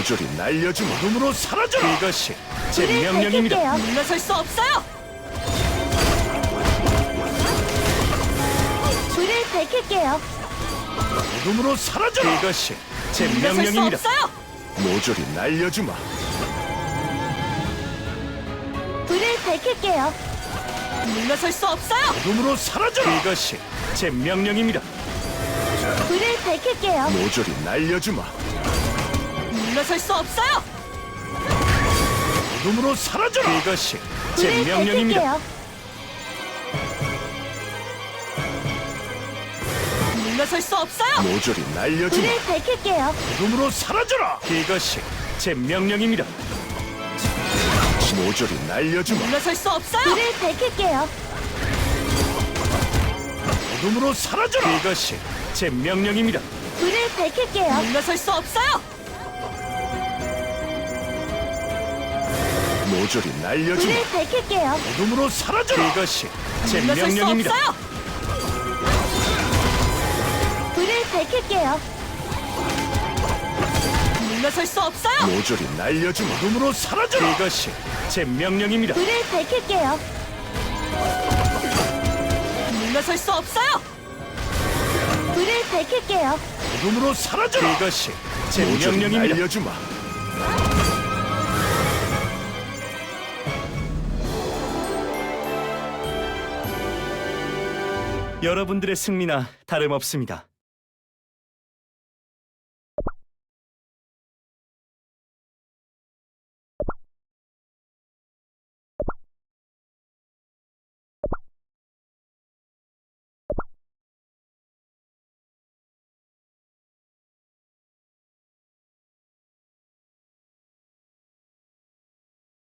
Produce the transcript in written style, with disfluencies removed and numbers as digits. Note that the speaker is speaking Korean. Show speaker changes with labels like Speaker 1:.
Speaker 1: 모조리 날려주마. 어둠으로 사라져라. 이것이 제
Speaker 2: 불을
Speaker 1: 명령입니다.
Speaker 2: 밝힐게요.
Speaker 3: 물러설 수 없어요.
Speaker 2: 불을 밝힐게요.
Speaker 1: 어둠으로 사라져라. 이것이 제
Speaker 3: 물러설 수
Speaker 1: 명령입니다.
Speaker 3: 없어요.
Speaker 1: 모조리 날려주마.
Speaker 2: 불을 밝힐게요.
Speaker 3: 물러설 수 없어요.
Speaker 1: 어둠으로 사라져라. 이것이 제 명령입니다.
Speaker 2: 불을 밝힐게요.
Speaker 1: 모조리 날려주마.
Speaker 3: 물러설 수 없어요.
Speaker 1: 어둠으로 사라져라. 이것이 제
Speaker 2: 불을
Speaker 1: 명령입니다.
Speaker 2: 밝힐게요.
Speaker 3: 물러설 수 없어요.
Speaker 1: 모조리 날려주마.
Speaker 2: 불을 밝힐게요.
Speaker 1: 어둠으로 사라져라. 이것이 제 명령입니다. 모조리 날려주마.
Speaker 3: 물러설 수 없어요.
Speaker 2: 불을 밝힐게요.
Speaker 1: 어둠으로 사라져라. 이것이 제 명령입니다.
Speaker 2: 불을 밝힐게요.
Speaker 3: 물러설 수 없어요.
Speaker 1: 모조리 날려주마.
Speaker 2: 불을 밝힐게요.
Speaker 1: 어둠으로 사라져라. 이것이 제
Speaker 3: 물러설 수
Speaker 1: 명령입니다.
Speaker 3: 없어요.
Speaker 2: 불을 밝힐게요.
Speaker 3: 물러설 수 없어요.
Speaker 1: 모조리 날려주마. 어둠으로 사라져라. 이것이 제 명령입니다.
Speaker 2: 불을 밝힐게요.
Speaker 3: 물러설 수 없어요.
Speaker 2: 불을 밝힐게요.
Speaker 1: 어둠으로 사라져라. 이것이 제 명령입니다. 날려주마. 여러분들의 승리나 다름없습니다.